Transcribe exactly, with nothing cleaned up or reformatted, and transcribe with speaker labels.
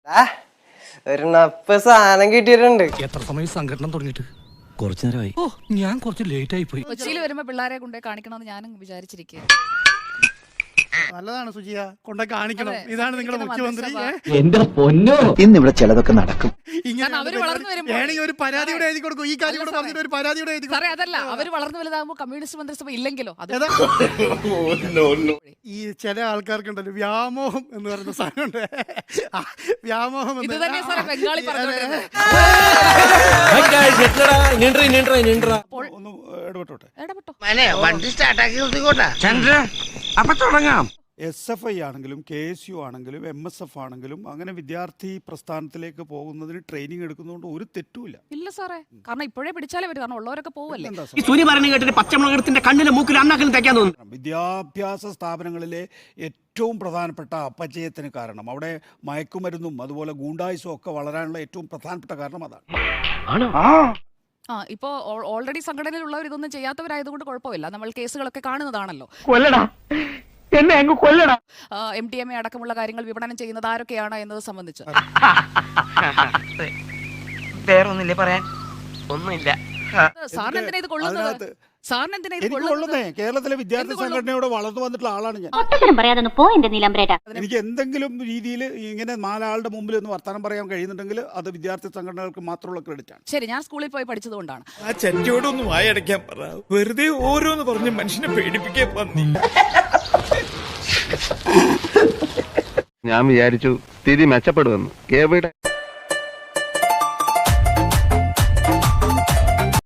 Speaker 1: ഒരു നപ്പ് സാധനം കിട്ടിയിട്ടുണ്ട്.
Speaker 2: എത്ര സമയം സംഘടന തുടങ്ങിയിട്ട്? കുറച്ചു നേരമായി. ഓ, ഞാൻ കുറച്ച് ലേറ്റ് ആയി പോയി.
Speaker 3: കൊച്ചിയിൽ വരുമ്പോ പിള്ളേരെ കൊണ്ടേ കാണിക്കണമെന്ന് ഞാനും വിചാരിച്ചിരിക്കുക.
Speaker 4: നല്ലതാണ് സുജിയ, കൊണ്ടേ കാണിക്കണം. ഇതാണ് നിങ്ങളുടെ മുഖ്യമന്ത്രി.
Speaker 5: എന്റെ പൊന്നോ, ഇന്ന് ഇവിടെ ചിലതൊക്കെ നടക്കും.
Speaker 3: അവര് വളർന്നു വരുമ്പോൾ
Speaker 4: ഒരു പരാതിയുടെ എഴുതി കൊടുക്കും. ഈ കാര്യം കൂടെ പറഞ്ഞിട്ട് ഒരു പരാതിയുടെ എഴുതി
Speaker 3: സാറേ, അതല്ല അവര് വളർന്നു വലുതാകുമ്പോ കമ്മ്യൂണിസ്റ്റ് മന്ത്രിസഭ ഇല്ലെങ്കിലോ അത്
Speaker 4: ഈ ചില ആൾക്കാർക്കുണ്ടല്ലോ വ്യാമോഹം എന്ന് പറയുന്ന സാധനമുണ്ട്. വ്യാമോഹം
Speaker 3: ഇത് തന്നെ സാറേ ബംഗാളി പറഞ്ഞോണ്ടിരുന്നത്.
Speaker 4: ഒന്ന് ഇടപെട്ടോട്ടെ.
Speaker 3: ഇടപെട്ടോ.
Speaker 2: അപ്പൊ തുടങ്ങാം.
Speaker 4: എസ് എഫ് ഐ ആണെങ്കിലും കെ എസ് യു ആണെങ്കിലും എം എസ് എഫ് ആണെങ്കിലും അങ്ങനെ വിദ്യാർത്ഥി പ്രസ്ഥാനത്തിലേക്ക് പോകുന്നതിന് ട്രെയിനിങ് എടുക്കുന്നതുകൊണ്ട് ഒരു തെറ്റുമില്ല.
Speaker 3: ഇല്ല സാറേ, കാരണം ഇപ്പോഴേ പിടിച്ചാലേ വരും, കാരണം ഉള്ളവരൊക്കെ പോവല്ലേ.
Speaker 2: പച്ചമുളകത്തിന്റെ കണ്ണിലെ മൂക്കിൽ അണ്ണാക്കിലും തയ്ക്കാൻ തോന്നുന്നു.
Speaker 4: വിദ്യാഭ്യാസ സ്ഥാപനങ്ങളിലെ ഏറ്റവും പ്രധാനപ്പെട്ട അപചയത്തിന് കാരണം അവിടെ മയക്കുമരുന്നും അതുപോലെ ഗൂണ്ടായുസും ഒക്കെ വളരാനുള്ള ഏറ്റവും പ്രധാനപ്പെട്ട കാരണം അതാണ്.
Speaker 3: ആ ഇപ്പോ ഓൾറെഡി സംഘടനയിലുള്ളവർ ഇതൊന്നും ചെയ്യാത്തവരായതുകൊണ്ട് കുഴപ്പമില്ല. നമ്മൾ കേസുകളൊക്കെ കാണുന്നതാണല്ലോ.
Speaker 5: എന്നെ അങ്ങ് കൊല്ലടാ.
Speaker 3: എം ടി എം എ അടക്കമുള്ള കാര്യങ്ങൾ വിപണനം ചെയ്യുന്നത് ആരൊക്കെയാണ് എന്നത് സംബന്ധിച്ച്
Speaker 5: വേറൊന്നില്ലേ പറയാൻ? ഒന്നുമില്ല.
Speaker 3: സാറിന് എന്തിനാ ഇത് കൊള്ളുന്നത്? സാറിന് എന്തിനാ ഇത്
Speaker 4: എനിക്ക് കൊള്ളുന്നേ കേരളത്തിലെ വിദ്യാർത്ഥി സംഘടനയോട് വളർന്നു വന്നിട്ടുള്ള ആളാണ് ഞാൻ. എനിക്ക് എന്തെങ്കിലും രീതിയിൽ ഇങ്ങനെ നാലാളുടെ മുമ്പിൽ ഒന്ന് വർത്തമാനം പറയാൻ കഴിയുന്നുണ്ടെങ്കിൽ അത് വിദ്യാർത്ഥി സംഘടനകൾക്ക് മാത്രമുള്ള ക്രെഡിറ്റ് ആണ്.
Speaker 3: ശരി, ഞാൻ സ്കൂളിൽ പോയി പഠിച്ചതുകൊണ്ടാണ്.
Speaker 6: ആ ചെറ്റയോടൊന്ന് വായടയ്ക്കാൻ പറ. വെറുതെ ഓരോന്ന് പറഞ്ഞ് മനുഷ്യനെ പേടിപ്പിക്കാൻ പന്നി.
Speaker 7: ഞാൻ വിചാരിച്ചു സ്ഥിതി മെച്ചപ്പെടുമെന്ന്.